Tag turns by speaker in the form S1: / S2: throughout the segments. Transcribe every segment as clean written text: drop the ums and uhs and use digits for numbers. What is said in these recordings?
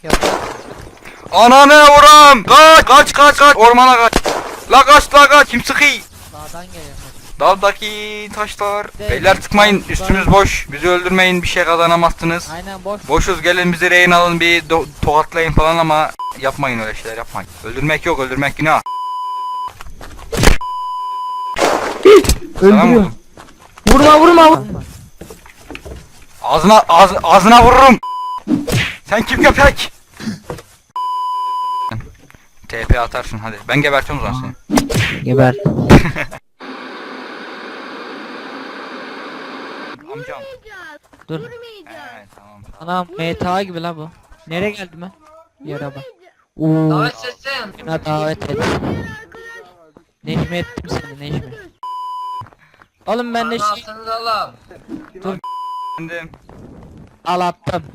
S1: Yok.
S2: Ananı vuram. Kaç. Ormana kaç. La kaç. Kim sıkıyor?
S1: Dağdan geliyor.
S2: Dağdaki taşlar.
S1: Evet.
S2: Beyler tıkmayın. Üstümüz boş. Bizi öldürmeyin. Bir şey kazanamazsınız.
S1: Aynen boş.
S2: Boşuz, gelin bizi rehin alın, bir tokatlayın falan ama yapmayın, öyle şeyler yapmayın. Öldürmek yok, öldürmek günah. Sana mı vurdum?
S3: Vurma.
S2: Ağzına vururum. Sen kim köpek? TP atarsın hadi. Ben gebertiyorum o zaman seni.
S3: Geber.
S2: Amcam.
S1: Dur.
S2: He tamam.
S1: Anam MTA gibi la bu. Nereye geldim ben? Yere bak.
S3: Davet seslen.
S1: Ha davet et. Necmi ettim seni Necmi. Oğlum ben de şey
S3: Anasını da Allah'ım.
S2: Efendim.
S1: al attım.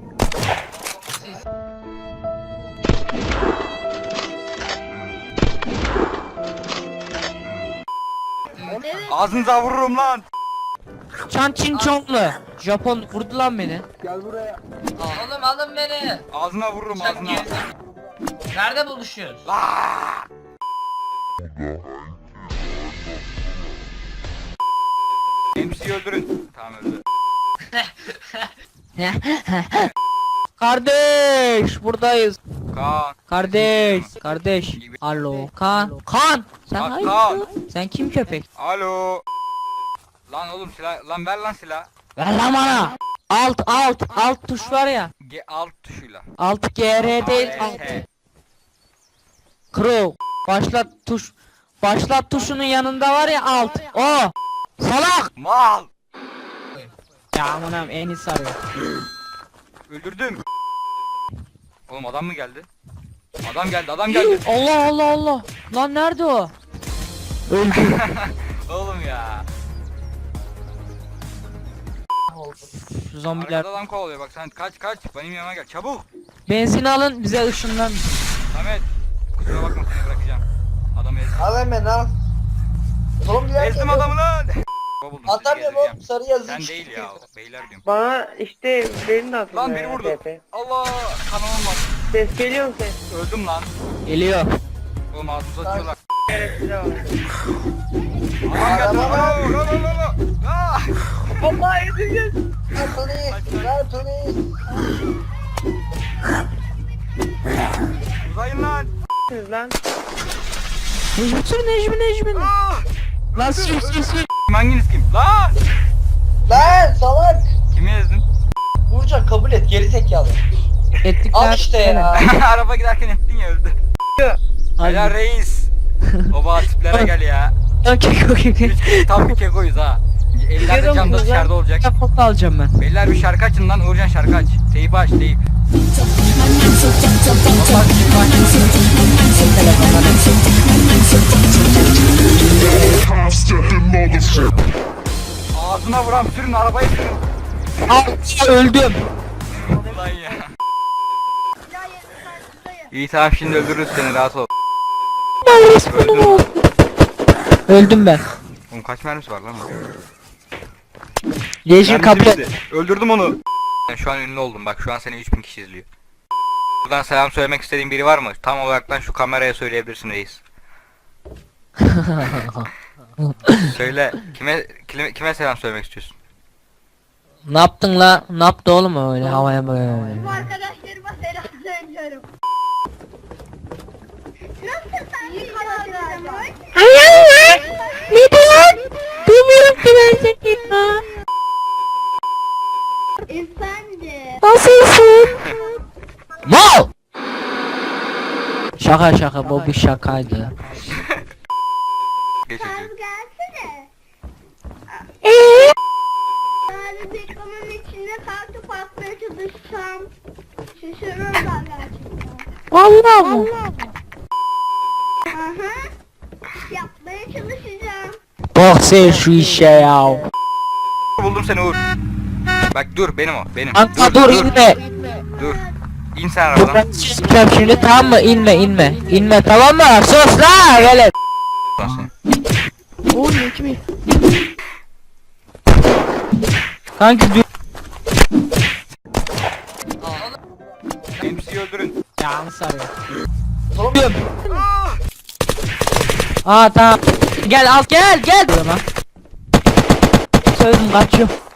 S2: Ağzınıza vururum lan.
S1: Çan Çin Çonglu. Japon vurdu lan beni.
S3: Oğlum alın beni.
S2: Ağzına vururum,
S3: Sen
S2: ağzına.
S3: geri- Nerede buluşuyoruz?
S2: MC'yi öldürün. Tamam öldü.
S1: Kardeş buradayız.
S2: Kaan.
S1: Kardeş. Alo Kan. Sen
S2: Kaan.
S1: hayır. Sen kim köpek?
S2: Alo. Lan oğlum silah. Lan ver lan silah.
S1: Ver lan bana. Alt tuş var ya.
S2: Alt tuşuyla.
S1: Alt GR değil alt. Crow. Başlat tuşunun yanında var ya alt. O. Salak.
S2: Mal.
S1: Ya amanam en iyisi arıyor.
S2: Öldürdüm. Oğlum adam mı geldi? Adam geldi.
S1: Allah. Lan nerede o? Öldü.
S2: Oğlum ya.
S1: Şu zombiler.
S2: Arkada adam kovalıyor bak, sen kaç benim yanıma gel çabuk.
S1: Benzin alın bize ışınlan.
S2: Samet kusura bakma, seni bırakacağım. Adamı ezdim.
S4: Al hemen al. Oğlum bir
S2: Ezdim adamı lan. Buldum, sizi
S4: Atamıyorum
S2: gezdireceğim.
S4: oğlum, sarı yazı
S2: Sen
S4: çıktı.
S2: değil ya, beyler diyorum.
S5: Bana işte benim de aklımda
S2: Lan beni
S5: ya,
S2: vurdu.
S5: TP.
S2: Allah, kanamam var.
S5: Ses geliyor mu ses?
S2: Öldüm lan.
S1: Geliyor.
S2: Oğlum ağzımıza atıyorlar.
S5: Evet size bak.
S2: Adam geldi. Aa!
S5: Allah edeceğiz.
S4: Ver polis, ver polis.
S2: Uzayın lan.
S5: Siz lan.
S1: Necmi.
S2: Aa!
S1: Lan sür.
S2: Hanginiz kim? Lan!
S4: Lan salak.
S2: Kimi ezdin?
S4: Burcan kabul et, geri zekalı.
S1: Ettik
S4: Al işte ya.
S2: Araba giderken ettin ya, öldü. Helal reis. Baba tiplere gel ya. Tam bir kekoyuz ha. Evlerde cam da dışarıda olacak.
S1: Foto alacağım ben.
S2: Beyler bir şarkı açın lan, Uğurcan şarkı aç. Teyip aç, teyip. Ağzına vuran sürün, arabayı sürün.
S1: Öldüm.
S2: Ulan ya. İyi tamam, şimdi öldürürüz seni, rahat ol. Öldün lan.
S1: Öldüm ben.
S2: Oğlum kaç mermisi var lan o?
S1: Yeşil
S2: Mermisi
S1: kapı.
S2: bitti. Öldürdüm onu. Ben şu an ünlü oldum, bak şu an seni 3000 kişi izliyor. Buradan selam söylemek istediğin biri var mı? Tam olaraktan şu kameraya söyleyebilirsin reis. Söyle, kime selam söylemek istiyorsun?
S1: Ne yaptın la? Ne yaptı oğlum öyle havaya böyle?
S6: Arkadaşlarıma selam söylüyorum. Nasılsın iyi kanallarım?
S1: Hayır. Ne diyorsun? Duymuyorum ki ben seni.
S6: Efendim.
S1: Nasılsın? Mal! Şaka bu bir şakaydı.
S2: Geç
S6: Sen
S2: hadi.
S6: gelsene. Yani reklamın içinde kartı atmaya çalışsam şaşırırlar gerçekten.
S1: Vallahi mı?
S6: Aha. Yapmaya çalışacağım.
S1: Bak sen şu işe ya.
S2: Buldum seni Uğur. Bak dur, benim o, benim.
S1: Kanka dur inme.
S2: Dur. İn sen arabadan.
S1: Ben çıkacağım şimdi tamam mı? İnme tamam mı? Sus la velet.
S2: Lan seni.
S1: Kanki dur.
S2: MC'yi öldürün.
S1: Yanlış arıyor.
S4: Oğlum
S1: Aa tamam. Gel al gel gel. Söyledim kaçıyor.